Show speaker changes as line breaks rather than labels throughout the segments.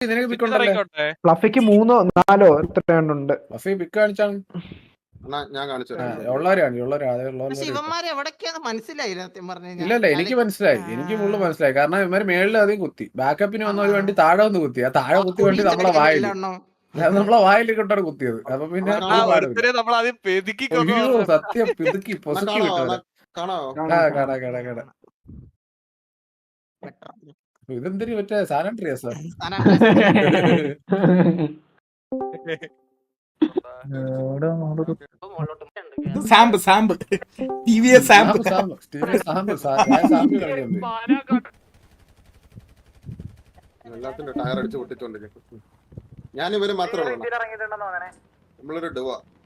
നിനക്ക് പിക്ക് ഉണ്ടല്ലോ.
ഫ്ലഫിക്ക് 3 4 എത്ര ഉണ്ട്?
ഫ്ലഫി പിക്ക് കാണിച്ചാണ്.
ഞാൻ കാണിച്ചു
ഇല്ലല്ല എനിക്ക് മനസ്സിലായി, എനിക്ക് ഫുള്ള് മനസ്സിലായി. കാരണം ഇവന്മാര് മേളിൽ അധികം കുത്തി, ബാക്കപ്പിന് വന്ന ഒരു വണ്ടി താഴെ വന്ന് കുത്തി. ആ താഴെ കുത്തി വണ്ടി നമ്മളെ വായിൽ, നമ്മളെ വായിൽ കൊണ്ടാണ് കുത്തിയത്. അപ്പൊ പിന്നെ അയ്യോ സത്യം പിതുക്കി പൊസുക്കി വിട്ടത്. ഇതെന്തിനു മറ്റേ സാനിറ്ററിയസ്
സാമ്പ് സാമ്പ് TVS സാമ്പ്
എല്ലാത്തിന്റെ ടയർ അടിച്ച് പൊട്ടിച്ചോണ്ടിരിക്കും. ഞാൻ ഇവര് മാത്രമേ ഉള്ളൂ. നമ്മളൊരു ഡുവ.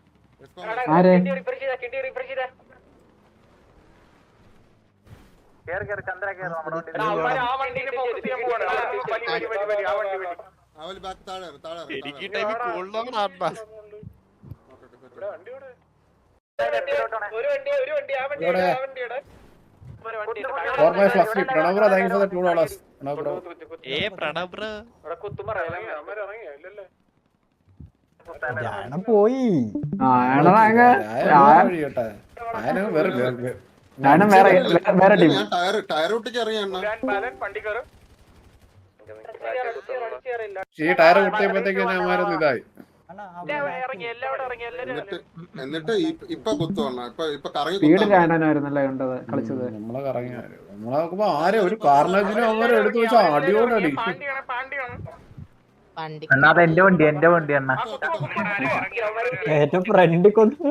പോയി
ടയർ ഒട്ടിച്ച് അറിയാം.
ഈ ടയർ കുത്തിയപ്പോഴത്തേക്ക് ഞാമാരൊന്നും ഇതായി.
എന്നിട്ട് ഇപ്പൊ കുത്തുവണ്ണ ഇപ്പൊ കറങ്ങി
കളിച്ചത്.
നമ്മളെ കറങ്ങി നമ്മളെ നോക്കുമ്പോ ആരെ ഒരു കാർണേജിനും അവരെ എടുത്തു വെച്ചാ അടിയോടടി.
എന്റെ വണ്ടി അണ്ണ
ഏറ്റവും ഫ്രണ്ട്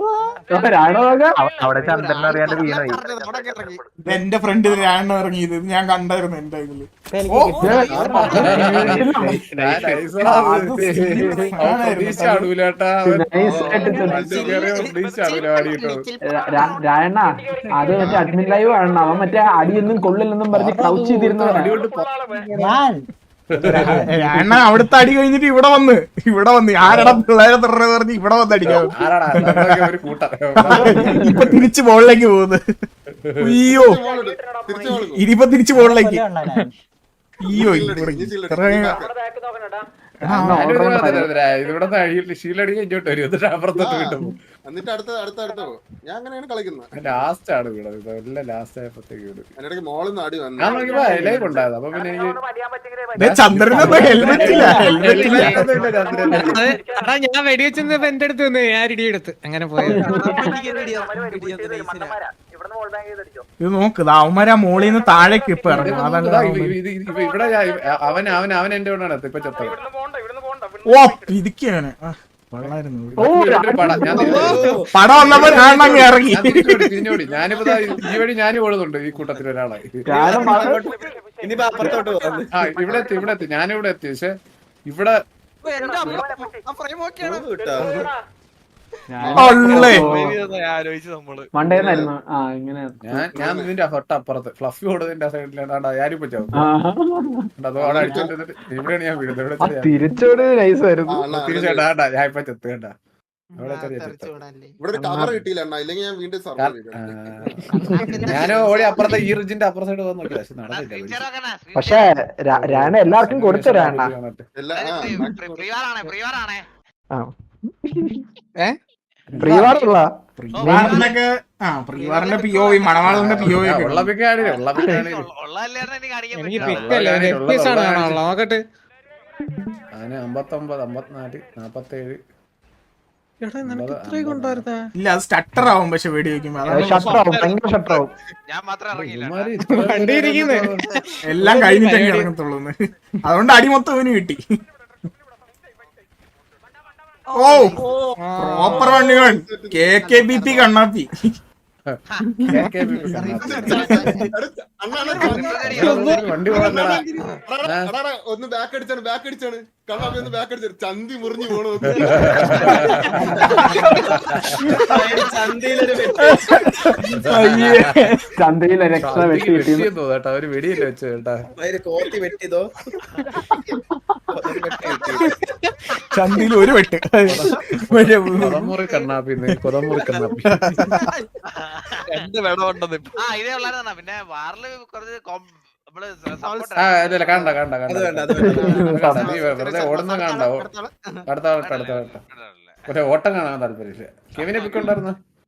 അവിടെ ചന്ദ്രൻ അറിയാണ്ട് വീണായി.
എന്റെ ഫ്രണ്ട് രാണ ഇറങ്ങിയത് ഞാൻ കണ്ടായിരുന്നു എന്റെ ഇതില്.
രായണ്ണ അത് മറ്റേ അഡ്മിൻ ലൈവ് ആണ്. അവൻ മറ്റേ അടിയൊന്നും കൊള്ളില്ലെന്നും പറഞ്ഞ് ക്രൗച്ച് ചെയ്തിരുന്നവനാണ്.
അണ്ണ അവിടുത്തെ അടി കഴിഞ്ഞിട്ട് ഇവിടെ വന്ന് ആരടാ പിള്ളേരെ പറഞ്ഞ് ഇവിടെ വന്ന് അടിക്കാം. ഇപ്പൊ തിരിച്ചു ബോളിലേക്ക് പോകുന്നത്. അയ്യോ ഇനിയിപ്പൊ തിരിച്ചു ബോളിലേക്ക്. അയ്യോ
ഇവിടെ ശീലടി ഇങ്ങോട്ട് വരും, എന്നിട്ട് അപ്പുറത്തോട്ട് കിട്ടും.
എന്നിട്ട് അടുത്ത ഞാൻ അങ്ങനെയാണ് കളിക്കുന്നത്.
ലാസ്റ്റ് ആണ് വീണത്, എല്ലാം ലാസ്റ്റ് ആയപ്പോഴത്തേക്ക് വീട്.
അതിനിടയ്ക്ക് മോളിൽ നിന്ന് അടി വന്നു.
ഞാൻ നോക്കിയപ്പോ ലൈവ് ഉണ്ടായത്. അപ്പൊ പിന്നെ എനിക്ക്
ചന്ദ്രനൊന്നും ഹെൽമെറ്റ് ഇല്ല.
ഞാൻ വെടിവെച്ചപ്പോ എന്റെ അടുത്ത് വന്ന് ഞാൻ ഇടിയെടുത്ത് അങ്ങനെ പോയത്.
ഇത് നോക്ക് അവന്മാരാ മോളിൽ നിന്ന് താഴേക്ക് ഇപ്പൊ ഇറങ്ങും.
ഇവിടെ അവൻ എന്റെ കൊണ്ടാണ് ഇപ്പൊ ചത്തത്.
ഓ പിരിക്കാണ് പടം വന്നപ്പോ ഞാൻ ഇറങ്ങി.
ഞാനിപ്പോ ഈ വഴി ഞാനും ഓടുന്നുണ്ട് ഈ കൂട്ടത്തിൽ ഒരാളായി. ഇവിടെ എത്തി ഞാനിവിടെ എത്തി. പക്ഷെ ഇവിടെ ഞാൻ ഇതിന്റെ തൊട്ടപ്പുറത്ത് ഫ്ലഫി ഓടുന്നതിന്റെ സൈഡിലാണ് ഞാനിപ്പോ ചാവും. അതോടെ അടിച്ചോണ്ടിരുന്നിട്ട് ഇവിടെയാണ് ഞാൻ വീഴുന്നത്.
തിരിച്ചോട് നൈസായിരുന്നു.
തിരിച്ചേട്ടാ ഞാൻ ഇപ്പൊ ചെത്ത് കേട്ടാ.
ഇവിടെ കവർ കിട്ടിയില്ല ഇല്ലെങ്കിൽ ഞാൻ വീണ്ടും
ഞാൻ ഓടി അപ്പുറത്തെ ഈ റിജിന്റെ അപ്പുറ സൈഡ് പോകാൻ നോക്കി. പക്ഷെ നടന്നില്ല.
പക്ഷെ രാണ എല്ലാവർക്കും കൊടുത്ത രാണ പ്രീവാറുള്ള
പ്രീവാറിന്റെ POV മണവാളന്റെ POV
നോക്കട്ടെ.
അതിന് 59 54 47
ഇല്ല അത് സ്റ്റട്ടർ ആവും. പക്ഷെ വെടി വെക്കുമ്പോ എല്ലാം കഴിഞ്ഞിട്ടേ ഇറങ്ങത്തുള്ളൂ. അതുകൊണ്ട് അടി മൊത്തം ഇവന് കിട്ടി. ഓ പ്രോപ്പർ വണ്ടികൾ KKBP കണ്ണാപ്പി.
വണ്ടി
ഒന്ന് ബാക്ക് അടിച്ചാണ് കണ്ണാപ്പി ഒന്ന് ബാക്ക് അടിച്ചാണ്. ചന്തി മുറിഞ്ഞു പോണു.
ചന്തയിലൊരു എക്സ്ട്രാ വെട്ടി
കേട്ടോ. അവര് വെടിയല്ലേ വെച്ചു കേട്ടാ.
ചന്തിയിൽ ഒരു വെട്ട്.
കൊതമുറി കണ്ണാപ്പി
രണ്ട് വെടമുണ്ടെന്ന്. ഇതേ ഉള്ളായിരുന്ന പിന്നെ വാറില് കുറച്ച്
ഇല്ല കണ്ട നീ വെറുതെ ഓടുന്ന കണ്ട അടുത്ത പക്ഷെ ഓട്ടം കാണാൻ താല്പര്യം കെവിനെ പിക്കുണ്ടായിരുന്നു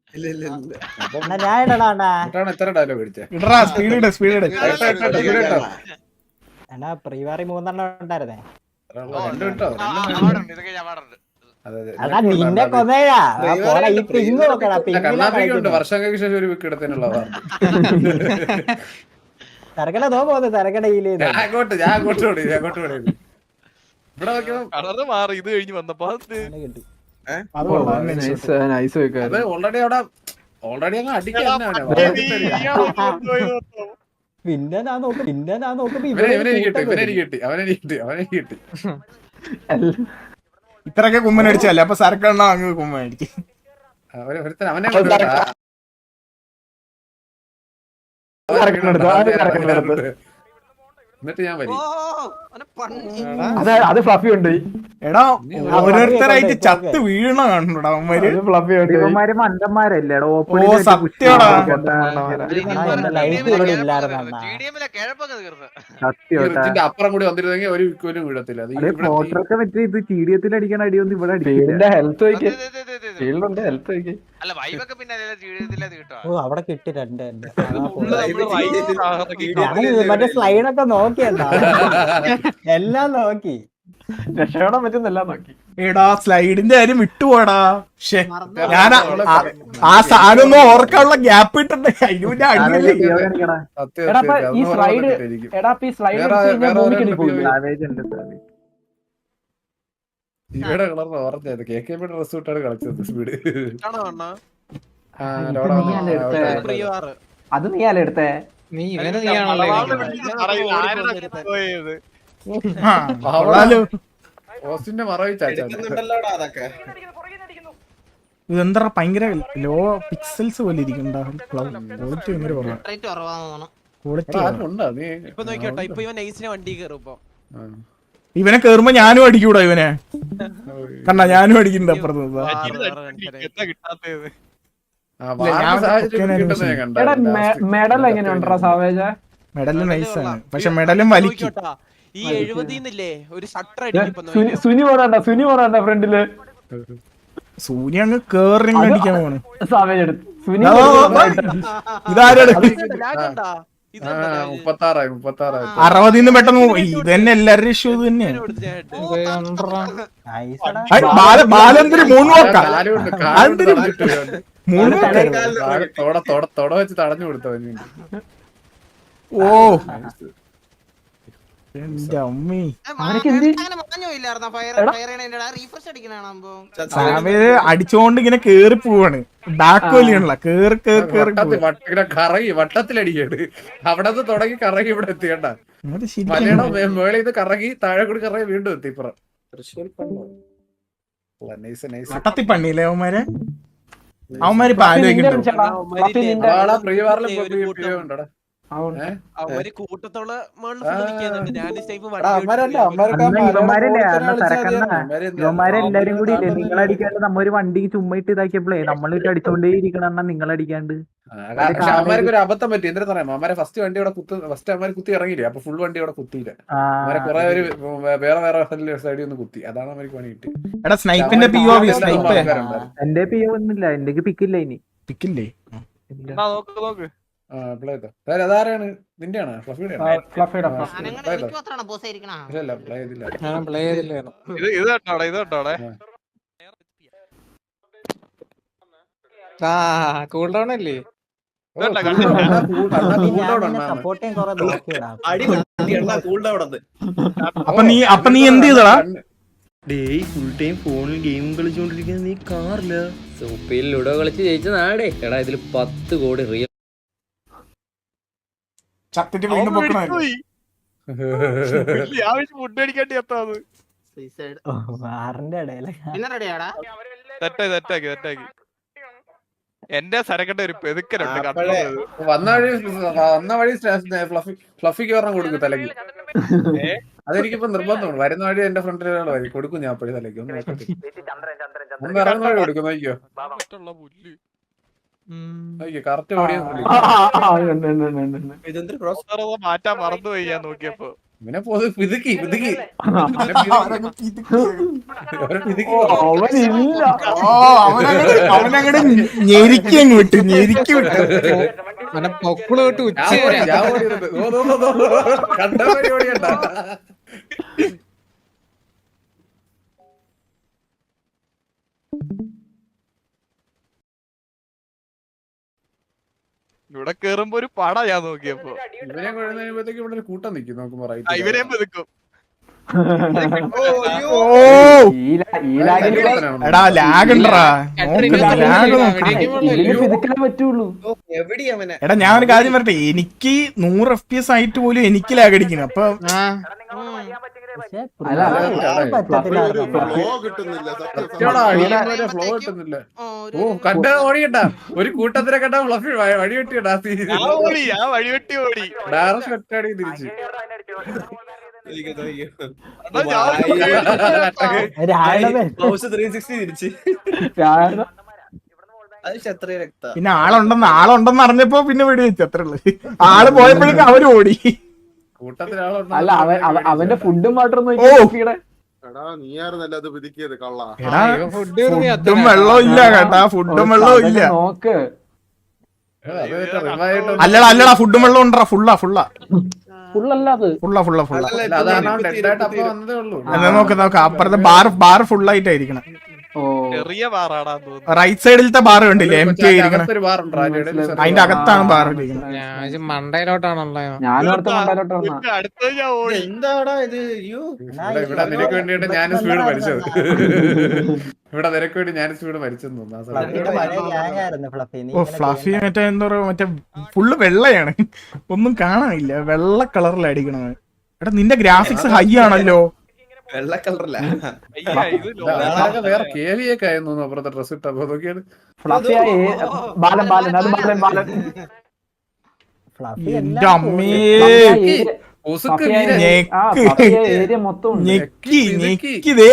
എത്ര ഡയലോഗ് അടിച്ചേ
ഇടറാ സ്പീഡ് സ്പീഡ്
പ്രീവാറി 3 ഉണ്ടായിരുന്നേ
രണ്ട് വിട്ടോ
നിന്നെ കൊന്നേടാ
കണ്ണാപ്പിക്കുണ്ട് വർഷങ്ങൾക്ക് ശേഷം ഒരു വിക്ക് എടുത്തതിനുള്ള
തിരക്കട തോ പോകുന്നത് തിരക്കടയില്
ഞാൻ അങ്ങോട്ട് ഓടി ഇവിടെ നോക്കിയോ
മാറി ഇത് കഴിഞ്ഞ് വന്നപ്പോ
അത് ഓൾറെഡി അങ്ങ് അടിക്കാൻ
പിന്നെ ഞാൻ നോക്കുമ്പോ
ഇവനെ കിട്ടി
ഇത്രയൊക്കെ കുമ്മനടിച്ചല്ലേ അപ്പൊ സരക്കെണ്ണ അങ്ങ് കുമ്മനടിക്കും
അവനെ എന്നിട്ട് ഞാൻ വരി
അത് ഫ്ലഫി ഉണ്ട്
എടാ ഓരോരുത്തരായിട്ട് ചത്ത് വീഴണ കാണുന്നുടാ അവന്മാര്
ഇവന്മാര് മണ്ടന്മാരല്ലേ
ഓ സത്യടാ
ഇതിന്റെ അപ്പുറം കൂടി വന്നിരുന്നെങ്കിൽ ഒരു വിക്കോലും വീഴത്തില്ല അത് ഇവിടെ
ഫോട്ടോക്കെ മറ്റേ ഇത് ചീഡിയത്തിൽ അടിക്കണ അടിയൊന്നും ഇവിടെ അടിക്കില്ല
ഹെൽത്ത്
അല്ല വൈബൊക്കെ പിന്നെ
അവിടെ കിട്ടി രണ്ട് മറ്റേ സ്ലൈഡൊക്കെ നോക്കിയണ്ടാ എല്ലാം നോക്കി രക്ഷപ്പെടാൻ പറ്റുന്നെല്ലാം നോക്കി
എടാ സ്ലൈഡിന്റെ കാര്യം വിട്ടുപോടാ പക്ഷെ ഞാൻ ആ സാധനം ഓർക്കാനുള്ള ഗ്യാപ്പ് ഇട്ടുണ്ട് അതിന് മുന്നേ അടിയല്ലേ
ഈ സ്ലൈഡ് എടാ ഈ സ്ലൈഡ്
ഇവിടെ കളർന്ന് ഓർമ്മ KKB ഡ്രസ് ഇട്ടാണ് കളിച്ചത് സ്പീഡ്
അത് നീയല്ലേ എടുത്തേ
നീ ഇവനെ നീയാണല്ലോ
ഓസ്റ്റിന്റെ മറവി ചാച്ചാ
ഇതെന്താ ഭയങ്കര ലോ പിക്സൽസ് പോലെ ഇരിക്കണ്ട ക്വാളിറ്റി ഭയങ്കര ക്വാളിറ്റി ഇവനെ കേറുമ്പോ ഞാനും അടിക്കൂടാ ഇവനെ കണ്ടാ ഞാനും അടിക്കുന്നുണ്ട് അപ്പുറത്ത്
മെഡൽ എങ്ങനെയുണ്ടാ സാവേജ
മെഡല് നൈസാണ് പക്ഷെ മെഡലും വലിക്കും
ഈ 70 ഒരു ഷട്ടർ
സുനി പോരാണ്ട ഫ്രണ്ടില്
സൂര്യ അങ്ങ് കേറി അടിക്കാൻ പോണ്
സാവേജ് എടുത്ത് സുനി
ഇതാരെടുത്ത്
36
പെട്ടെന്ന് ഇത് തന്നെ എല്ലാവരുടെ ഇഷ്യൂ ഇത് തന്നെയാണ് ബാലന്തിരി
തൊട വെച്ച് തടഞ്ഞു കൊടുത്തോ
ഓ എന്റെ അമ്മി അടിച്ചോണ്ട് ഇങ്ങനെ കേറി പോവാണ് ബാക്ക് വലിയണല്ല കേറി
കറങ്ങി വട്ടത്തിലടിക്കേട് അവിടെ നിന്ന് തുടങ്ങി കറങ്ങി ഇവിടെ എത്തിയണ്ട മലയാളം മേളിൽ ഇത് കറങ്ങി താഴെ കൂടി കറങ്ങി വീണ്ടും എത്തി ഇപ്പുറം
വട്ടത്തി പണിയില്ലേ അവന്മാരെ ഇപ്പൊ ആലോചിക്കണ്ടോ
ഉണ്ടോടാ
അവര് കൂട്ടത്തോള
ഇവന്മാരെല്ലാരും കൂടി ഇല്ലേ നിങ്ങളടിക്കാണ്ട് നമ്മ ഒരു വണ്ടിക്ക് ചുമ്മായിട്ട് ഇതാക്കിയപ്പോഴേ നമ്മളിട്ട് അടിച്ചോണ്ടേ ഇരിക്കണ നിങ്ങളടിക്കാണ്ട്
അവന്മാർക്ക് ഒരു അബദ്ധം പറ്റി എന്താ പറയാ അവന്മാരെ ഫസ്റ്റ് വണ്ടി അവിടെ ഫസ്റ്റ് അവന്മാർ കുത്തി ഇറങ്ങിയില്ലേ അപ്പൊ ഫുൾ വണ്ടി അവിടെ കുത്തിയില്ല അവരെ കുറെ ഒരു വേറെ സൈഡിൽ ഒന്ന് കുത്തി അതാണ് അവർക്ക് പണി കിട്ടി.
എടാ സ്നൈപ്പിന്റെ
എന്റെ പി ഒന്നുമില്ല എന്റെ പിക്കില്ല ഇനി
പിക്കില്ലേ
നോക്ക്
അതാരാണ് നിന്റെയാണ്
ഇത് കണ്ടോടെ
കൂൾ ഡൗൺ അല്ലേ
അപ്പൊ നീ എന്ത് ചെയ്തടാ
ഫുൾ ടൈം ഫോണിൽ ഗെയിം കളിച്ചോണ്ടിരിക്കുന്ന നീ കാറില്ല സൂപ്പിൽ ലുഡോ കളിച്ച് ജയിച്ച നാടേ എടാ ഇതിൽ 10 കോടി റിയൽ
ചത്തിട്ട് വീണ്ടും പൊക്കണോ
ഫുഡ് അടിക്കാണ്ടി എത്താത് തെറ്റാക്കി എന്റെ സരക്കട്ട ഒരു പെതുക്കലുണ്ട്
വന്ന വഴി ഫ്ലഫിക്ക് പറഞ്ഞ കൊടുക്കും തലക്ക് അതെനിക്കിപ്പോ നിർബന്ധമാണ് വരുന്ന വഴി എന്റെ ഫ്രണ്ടിൽ വഴി കൊടുക്കും ഞാൻ അപ്പോഴും തലക്ക് ഒന്ന് ഇറങ്ങുന്ന വഴി കൊടുക്കും നോക്കിയോ കറക്റ്റ് ഓടിയത്
മാറ്റാൻ മറന്നുപോയി ഞാൻ നോക്കിയപ്പോ.
ഇവനെ പിതുക്കി
അവനങ്ങട് ഞെരിക്കി അങ്ങ് വിട്ടു ഞെരിക്കി വിട്ടു.
പൊക്കിള് തൊട്ട് ഉച്ച വരെ
കണ്ട പരിപാടിയണ്ട.
ഇവിടെ കേറുമ്പോ ഒരു പട ഞാൻ നോക്കിയപ്പോ.
ഇവനെ കഴിയുമ്പോഴത്തേക്ക് ഇവിടെ ഒരു കൂട്ടം നിൽക്കും നോക്കുമ്പോ
ഇവരെയും പെതുക്കും.
എടാ ലാഗ് ഉണ്ടറാ
പറ്റുള്ളൂ.
എടാ ഞാൻ ഒരു കാര്യം പറയട്ടെ, എനിക്ക് 100 FPS ആയിട്ട് പോലും എനിക്ക് ലാഗ് അടിക്കണം. അപ്പൊ
ഫ്ലോ കിട്ടുന്നില്ല
ഫ്ലോ കിട്ടുന്നില്ല. ഓ കണ്ട ഓടിയട്ടാ ഒരു കൂട്ടത്തിനെ കണ്ട ഫ്ലഫി വഴി വെട്ടിയടാ.
വഴിവെട്ടി ഓടി.
ഡയറക്റ്റ് ഒറ്റടി തിരിച്ച്
പിന്നെ ആളുണ്ടെന്ന് അറിഞ്ഞപ്പോ പിന്നെ വെടി വെച്ചു. അത്രേ ഉള്ളു. ആള് പോയപ്പോഴേക്കും അവര് ഓടി.
അല്ല അവന്റെ ഫുഡും വാട്ടറും
എടാ നീയായിരുന്നല്ലോ അത് പിതുക്കിയത് കള്ള.
ഫുഡും വെള്ളവും ഇല്ല കേട്ടാ, ഫുഡും വെള്ളവും ഇല്ല.
നോക്ക്
അല്ലടാ ഫുഡും വെള്ളം ഉണ്ടോ? ഫുള്ളാ
ഫുള്ളല്ല അത്
നോക്ക് അപ്പുറത്തെ ബാർ ഫുള്ളായിട്ടായിരിക്കണം.
ചെറിയ ബാറാടാ തോന്നുന്നു.
റൈറ്റ് സൈഡിലത്തെ ബാർ കണ്ടില്ലേ എം ടി ആയിരിക്കണം. അതിന്റെ അകത്താണ് ബാർ ഇരിക്കുന്നത്.
മണ്ടയിലോട്ടാണല്ലോ.
ഞാനും അടുത്ത മണ്ടയിലോട്ടാണ്.
അടുത്ത ഞാൻ ഓടി.
എന്താടാ ഇത്?
ഇവിടെ നിനക്ക് വേണ്ടിയിട്ട് ഞാൻ സ്പീഡ് മരിച്ചത്. ഇവിടെ നിനക്ക് വേണ്ടി ഞാൻ സ്പീഡ് മരിച്ചെന്ന് തോന്നുന്നു.
ഓ ഫ്ലഫി മറ്റേ എന്താ പറയാ, മറ്റേ ഫുള്ള് വെള്ളയാണ്, ഒന്നും കാണാനില്ല. വെള്ള കളറിൽ അടിക്കണത്. എടാ നിന്റെ ഗ്രാഫിക്സ് ഹൈ ആണല്ലോ.
വെള്ള കളറല്ല,
വേറെ കേവിയൊക്കെ ആയെന്ന് തോന്നുന്നു അപ്പുറത്തെ ഡ്രസ് ഇട്ടപ്പോ. നോക്കിയാണ്
എന്റെ അമ്മേ
ഏരിയ മൊത്തം
ഞെക്കിതേ.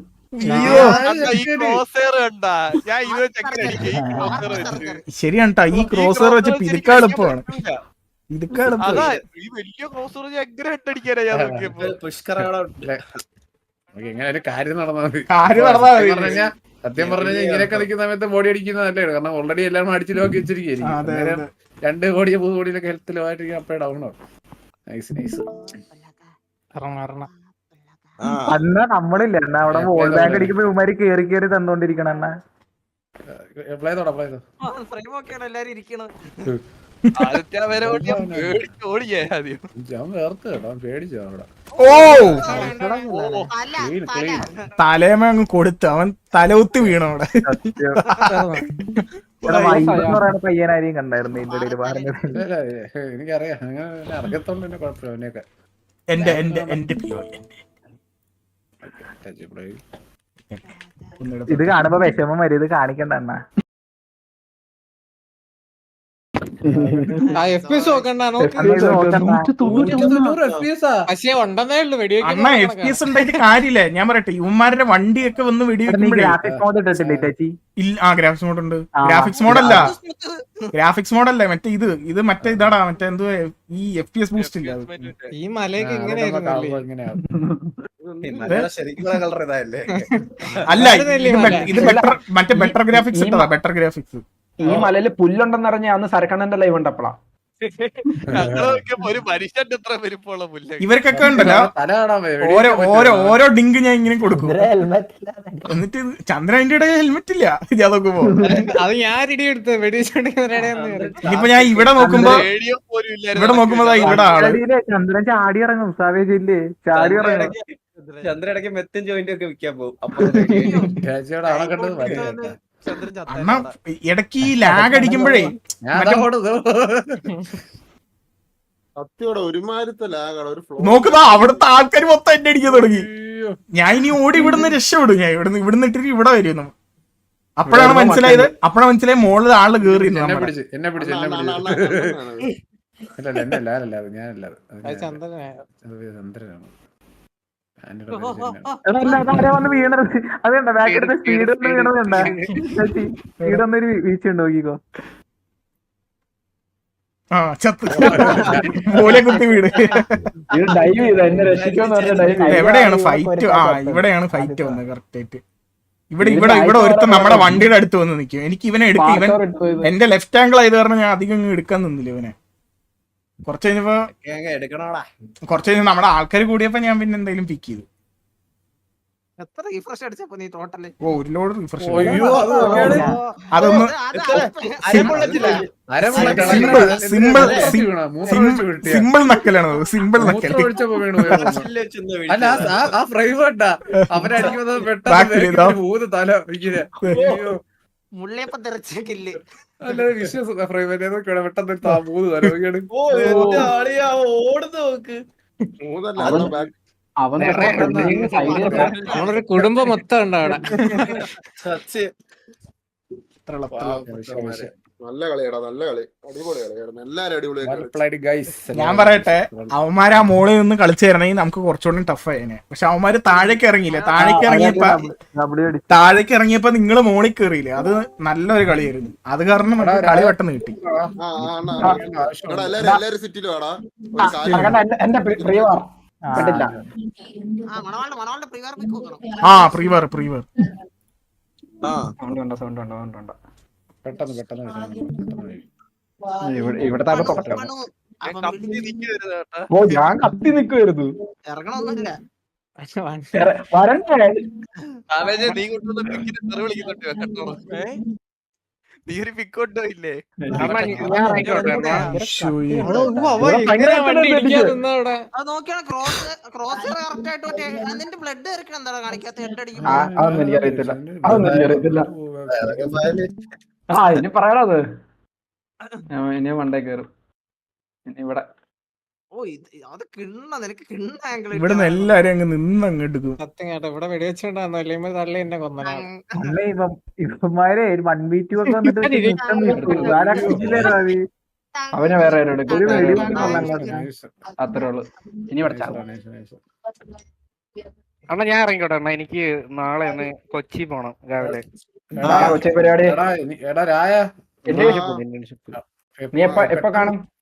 ശരിയാണ് ട്ടാ, ഈ ക്രോസർ വെച്ച് പിതുക്കാൻ എളുപ്പമാണ്.
ഇങ്ങനെ ഒരു കാര്യം നടന്നാൽ മതി. സത്യം പറഞ്ഞു കഴിഞ്ഞാൽ ഇങ്ങനെയൊക്കെ നിൽക്കുന്ന സമയത്ത് ബോഡി അടിക്കുന്നത് നല്ലതാണ്. കാരണം ഓൾറെഡി എല്ലാം അടിച്ചു ലോക്കി വെച്ചിരിക്കും. 2 കോടിയോ 3 കോടിയിലൊക്കെ ഹെൽത്ത് ലോ ആയിട്ട് അപ്പഴേ ഡൗൺ ആവും. നൈസ്
അന്ന് നമ്മളില്ല അവിടെ വോൾ ബാങ്ക് അടിക്കുമ്പോ ഇവന്മാര് കേറി തന്നോണ്ടിരിക്കണം.
അപ്ലൈ ചെയ്തോ.
എല്ലാരും ഇരിക്കണം.
ഞാൻ വേർത്ത് കേട്ടോ, പേടിച്ചോ അവിടെ.
തലേമ അങ്ങ് കൊടുത്തു, അവൻ തലകുത്തി വീണു അവിടെ.
പയ്യനാരെയും കണ്ടായിരുന്നു ഇതിന്റെ ഇടയിൽ പറഞ്ഞത്.
എനിക്കറിയാം, അങ്ങനെ അറിയത്തോണ്ട് തന്നെ കുഴപ്പമില്ല. അവനെയൊക്കെ
ഇത് കാണുമ്പോ വിഷമം വരും. ഇത് കാണിക്കണ്ട അണ്ണാ.
അണ്ണാ FPS ഉണ്ടായിട്ട് കാര്യമില്ല. ഞാൻ പറയട്ടെ, ഇവന്മാരുടെ വണ്ടിയൊക്കെ വന്ന് വെടിവെക്കുമ്പോഴേ. ഗ്രാഫിക്സ് മോഡ് ഉണ്ട്. ഗ്രാഫിക്സ് മോഡല്ല മറ്റേ ഇത് മറ്റേ ഇതാടാ, മറ്റേ എന്തുവാ ഈ FPS ബൂസ്റ്റ് ഇല്ല.
ഈ മലയൊക്കെ
അല്ല ഇത് മറ്റേ ബെറ്റർ ഗ്രാഫിക്സ് ഇട്ടതാ. Better graphics.
ഈ മലയില് പുല്ലുണ്ടെന്ന് അറിഞ്ഞ അന്ന് സരക്കണ്ണന്റെ ലൈവ് ഉണ്ടപ്പോളാ.
ഒരു മനുഷ്യന്റെ എത്ര വലിപ്പമുള്ള പുല്ല്.
ഇവർക്കൊക്കെ ഉണ്ടല്ലോ ഓരോ ഡിങ്ക് ഞാൻ ഇങ്ങനെ കൊടുക്കും. എന്നിട്ട് ചന്ദ്രന്റെ ഇടയിൽ ഹെൽമെറ്റ് ഇല്ല. ഞാൻ നോക്കുമ്പോ
അത് ഞാൻ ഇടിയെടുത്ത്
ഇനിയിപ്പോ ഞാൻ ഇവിടെ നോക്കുമ്പോ ഇവിടെ ആള്
ചന്ദ്രൻ ചാടി ഇറങ്ങും. സാവേജ് ഇല്ലേ ചാടി ഇറങ്ങും.
ചന്ദ്രൻ ഇടയ്ക്ക് മെത്തും ജോയിന്റ് ഒക്കെ വിൽക്കാൻ പോകും.
അണ്ണാ ഇടയ്ക്ക് ഈ ലാഗ് അടിക്കുമ്പോഴേ
സത്യോടെ ഒരുമാതിരത്തെ ലാഗാണ്. ഒരു ഫ്ലോ
നോക്കുതാ അവിടുത്തെ ആൾക്കാർ മൊത്തം എന്നെ അടിക്കാൻ തുടങ്ങി. ഞാൻ ഇനി ഓടി ഇവിടുന്ന് രക്ഷപ്പെടും. ഞാൻ ഇവിടുന്ന് ഇട്ടിട്ട് ഇവിടെ വരുന്നു. അപ്പോഴാണ് മനസ്സിലായത് മോളിൽ ആള് കേറി.
എന്നെ പിടിച്ചു ചന്ദ്രനാണ്.
വീണത് അതേണ്ട ബാക്കെടുത്ത സ്പീഡ് ഒന്ന് വീണതുണ്ട. സ്പീഡ് ഒന്നൊരു വീഴ്ച ഉണ്ട് നോക്കിക്കോ.
ആ ചത്ത് പോലെ കുത്തി വീട്.
ഇത് ഡൈവ് ചെയ്ത എന്നെ രക്ഷിക്കുമെന്ന് പറഞ്ഞ ഡൈവ്
എവിടെയാണ് ഫൈറ്റ്? ആ ഇവിടെയാണ് ഫൈറ്റ് വന്നത് കറക്റ്റ് ആയിട്ട്. ഇവിടെ ഒരുത്തൻ നമ്മുടെ വണ്ടിയുടെ അടുത്ത് വന്ന് നിൽക്കും. എനിക്ക് ഇവനെ എടുക്കും. ഇവൻ എന്റെ ലെഫ്റ്റ് ആംഗിൾ ആയത് കാരണം ഞാൻ അധികം എടുക്കാൻ നിന്നില്ല ഇവനെ. കുറച്ച് കഴിഞ്ഞപ്പോ നമ്മുടെ ആൾക്കാർ കൂടിയപ്പോ ഞാൻ പിന്നെ എന്തെങ്കിലും പിക്ക് ചെയ്തു.
എത്ര റീഫ്രഷ് അടിച്ചപ്പോ നീ ടോട്ടല്?
ഓ ഒരു ലോഡ് റിഫ്രഷ്.
അയ്യോ,
അതൊന്ന് സിമ്പിൾ നക്കലാണ്. സിമ്പിൾ നക്കൽ.
അല്ല ആ ഫ്രൈവേട്ടാ അവരടിക്കുന്നത് പെട്ടെന്ന് മൂന്ന് തല ഇങ്ങനെ.
മുള്ളിയപ്പോ തെറിച്ചേക്കില്ലേ?
അല്ല വിശ്വാസം ഫ്രൈവേറ്റ് പെട്ടെന്ന് മൂന്ന് തല
ഓടുന്നു നോക്ക്.
മൂന്നല്ല
അവൻ
നമ്മളൊരു കുടുംബം മൊത്തം ഉണ്ട് അവിടെ.
നല്ല കളിയാടാ, നല്ല കളി, അടിപൊളി കളിയായിരുന്നു. എല്ലാരും അടിപൊളി.
ഞാൻ പറയട്ടെ, അവന്മാര് ആ മോളിൽ നിന്ന് കളിച്ചു തരണമെങ്കിൽ നമുക്ക് കുറച്ചുകൂടി ടഫ് ആയേനെ. പക്ഷെ അവന്മാര് താഴേക്ക് ഇറങ്ങിയില്ല. താഴേക്ക് ഇറങ്ങിയപ്പോ നിങ്ങള് മോളിൽ കയറിയില്ലേ? അത് നല്ലൊരു കളിയായിരുന്നു. അത് കാരണം നമുക്ക് കളി പെട്ടെന്ന് കിട്ടി.
എല്ലാരും സിറ്റിയിലും ആടാ.
എന്റെ പ്രിയ കണ്ടില്ല.
ആ പ്രീവർ
ഇവിടത്തെ ഓ ഞാൻ കത്തി നിക്കുവായിരുന്നു.
ഇറങ്ങണമൊന്നുമില്ല.
വരണ്ടേ?
നീ കൊണ്ടുവന്ന പിക്കിന് തെറി വിളിക്കുന്നുണ്ട് കേട്ടോ. നീ ഒരു പിക്കോട്ടോ ഇല്ലേ?
അത് നോക്കിയാണ് ക്രോസ് കറക്റ്റ് ആയിട്ട് നിന്റെ ബ്ലഡ് ഇറക്കണം. എന്താണ് കാണിക്കാത്ത? ഹെഡ് അടിക്കും.
അതൊന്നും എനിക്കറിയത്തില്ല. ആ ഇനി പറയണത് ഇനി മണ്ടേ കയറും ഇവിടെ.
ഓ അത് കിണ്ണ നിനക്ക് കിണ്ണ ആംഗിൾ.
ഇവിടെ നിന്ന് എല്ലാരും അങ്ങ് നിന്ന് അങ്ങ് എടുക്കും.
സത്യം കേട്ടോ, ഇവിടെ വെടിവെച്ചോണ്ടാന്നല്ലേ തള്ളി എന്നെ കൊന്നനാണ്.
ഇവന്മാരെ 1v2 ഒക്കെ വന്നിട്ട്
അവനെ വേറെ ആരും എടുക്കും. ഒരു വെടി അത്രേ ഉള്ളു. ഇനി പഠിച്ചാ
അണ്ണാ ഞാൻ ഇറങ്ങിക്കോട്ടെ അണ്ണാ, എനിക്ക് നാളെ ഒന്ന് കൊച്ചി പോണം രാവിലെ.
കൊച്ചി പരിപാടി
എടാ രായ
നീ എപ്പ കാണും?